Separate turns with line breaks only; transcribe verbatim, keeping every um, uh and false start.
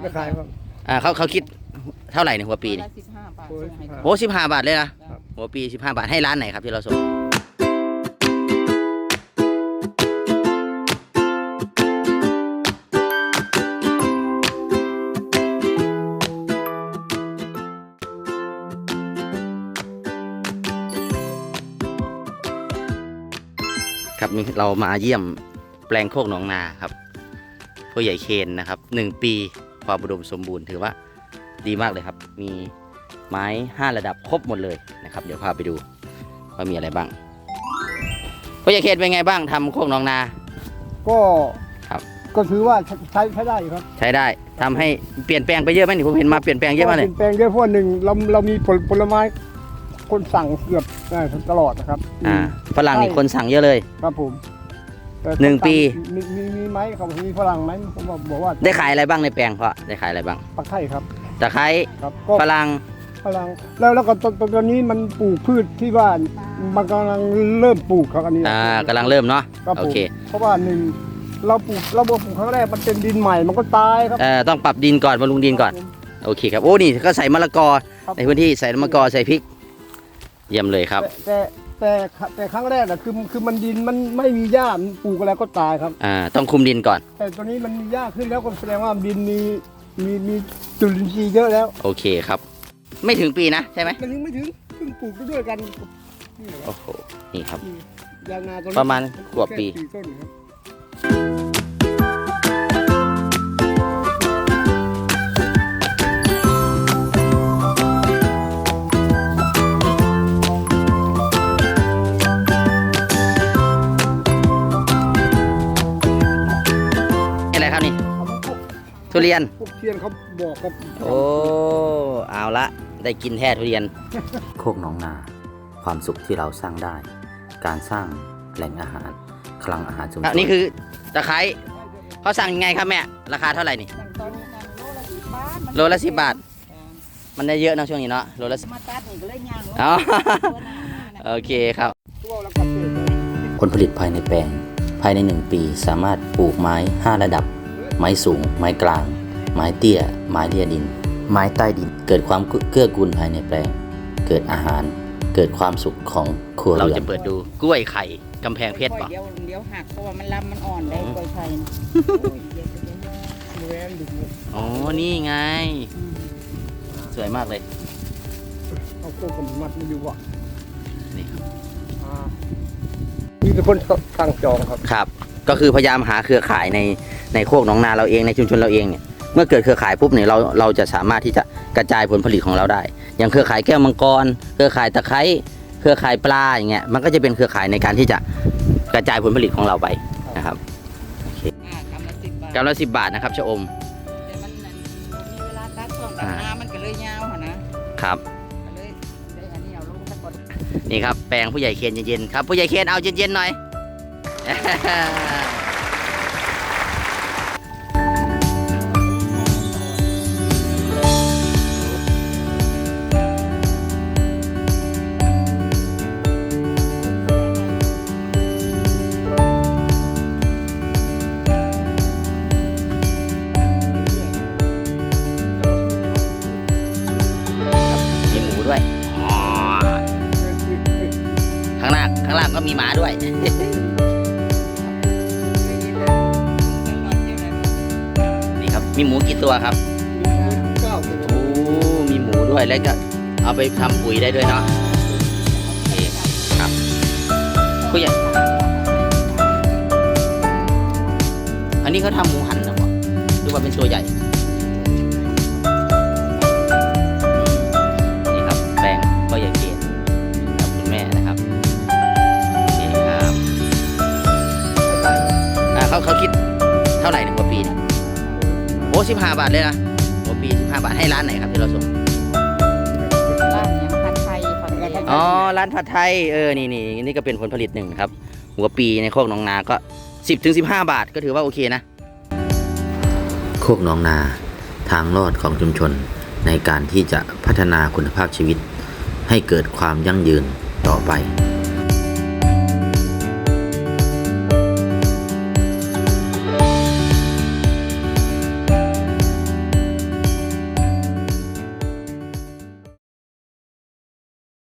ไม่ขายครับ
อ่าเขาเขาคิดเท่าไหร่ในหัวปีนี่
สิบห้าบาท
โอ้สิบห้าบาทเลยนะหัวปีสิบห้าบาทให้ร้านไหนครับที่เราส่งครับนี่เรามาเยี่ยมแปลงโคกหนองนาครับผู้ใหญ่เคนนะครับหนึ่งปีความอุดมสมบูรณ์ถือว่าดีมากเลยครับมีไม้ห้าระดับครบหมดเลยนะครับเดี๋ยวพาไปดูว่ามีอะไรบ้างผู้ใหญ่เคนเป็นไงบ้างทำโคกหนองนา
ก็
ครับ
ก็ถือว่าใช้ใช้ได้ครับ
ใช้ได้ทำให้เปลี่ยนแปลงไปเยอะไหมนี่ผมเห็นมาเปลี่ยนแปลงเยอะมากเลย
เปลี่ยนแปลงเยอะเพราะหนึ่งเราเรามีผลผลไม้คนสั่งเกือบได้ตลอดนะครับ
อ่าฝรั่งนี่คนสั่งเยอะเลย
ครับผม
หนึ่งปี
มีมีมีไหมครับมีฝรั่งไหมผมบอกว่า
ได้ขายอะไรบ้างในแปลงเพาะได้ขายอะไรบ้าง
ตะไคร้ครับ
ตะไคร้ฝรั่ง
ฝรั่งแล้วแล้วก็ตอนตอนนี้มันปลูกพืชที่ว่ามันกำลังเริ่มปลูกครับอันนี้
อ่ากำลังเริ่มเนาะโอเค
เพราะว่าหนึ่งเราปลูกเราปลูกครั้งแรกมันเป็นดินใหม่มันก็ตายครับ
เอ่อต้องปรับดินก่อนบำรุงดินก่อนโอเคครับโอ้นี่ก็ใส่มะละกอในพื้นที่ใส่มะละกอใส่พริกเยี่ยมเลยครับ
แต่แต่แต่ครั้งแรกอะคือคือมันดินมันไม่มีหญ้าปลูกอะไรก็ตายครับ
อ่าต้องคุมดินก่อน
แต่ตอนนี้มันมีหญ้าขึ้นแล้วก็แสดงว่าดินมีมีมีจุลินทรีย์เยอะแล้ว
โอเคครับไม่ถึงปีนะใช่ไหม
มันยังไม่ถึงเพิ่งปลูกด้วยกัน
โอ้โหนี่ครับ
ยางนาตัว
ประมาณกว่าปีอะไรครับนี่ทุเรียน
ทุเรียนเขาบอกกับ
โอ้เอาละได้กินแท้ทุเรียนโคกหนองนาความสุขที่เราสร้างได้การสร้างแหล่งอาหารคลังอาหารชุมชนนี่คือตะไคร้เขาสั่งยังไงครับแม่ราคาเท่าไหร่นี่โลละสิบบาทมันได้เยอะนะช่วงนี้เนาะโลละมาตัดนี่ก็เลยย่างอ๋อโอเคครับผลผลิตภายในแปลงภายในหนึ่งปีสามารถปลูกไม้ห้าระดับไม้สูงไม้กลางไม้เตี้ยไม้เลี่ยดินไม้ใต้ดินเกิดความเกื้อกูลภายในแปลงเกิดอาหารเกิดความสุขของครัวเรือนเราจะเปิดดูกล้วยไข่กำแพงเพชรป่ะ
เดี๋ยวเดี๋ยวหักเพราะว่ามันลำมันอ่อนได้กล้วยไข่
อ๋อนี่ไงสวยมากเลย
เอาโคกมัดมาดูว่ะ
นี่ครับ
มีแต่คนสั่งจองครับ
ครับก็คือพยายามหาเครือข่ายในในโคกหนองนาเราเองในชุมชนเราเองเนี่ยเมื่อเกิดเครือข่ายปุ๊บเนี่ยเราเราจะสามารถที่จะกระจายผลผลิตของเราได้อย่างเครือข่ายแก้วมังกรเครือข่ายตะไคร้เครือข่ายปลาอย่างเงี้ยมันก็จะเป็นเครือข่ายในการที่จะกระจายผลผลิตของเราไปนะครับกำละสิบบาทนะครับชะอม
แต่มันมีเวลาตัดช่วงตัดน้ำมันก็เลยยาว
นะครับนี่ครับแปลงผู้ใหญ่เคนเย็นๆครับผู้ใหญ่เคนเอาเย็นๆหน่อยด้วยข้างหน้าข้างล่างก็มีหมาด้วยนี่ครับมีหมูกี่ตัวครับโอ้มีหมูด้วยแล้วก็เอาไปทำปุ๋ยได้ด้วยเนาะโอเคครับผู้ใหญ่อันนี้เขาทำหมูหันนะวะหรือว่าเป็นตัวใหญ่ก็อย่าเกลียดกับคุณแม่นะครับโอเคครับอ่าเขาเขาคิดเท่าไหร่ในหัวปีเนี่ยโอ้สิบห้าบาทเลยนะหัวปีสิบห้าบาทให้ร้านไหนครับที่เราส่ง
ร้านยังผัดไทย
อ๋อร้านผัดไทยเออนี่นี่นี่ก็เป็นผลผลิตหนึ่งครับหัวปีในโคกหนองนาก็สิบถึงสิบห้าบาทก็ถือว่าโอเคนะโคกหนองนาทางรอดของชุมชนในการที่จะพัฒนาคุณภาพชีวิตให้เกิดความยั่งยืนต่อไป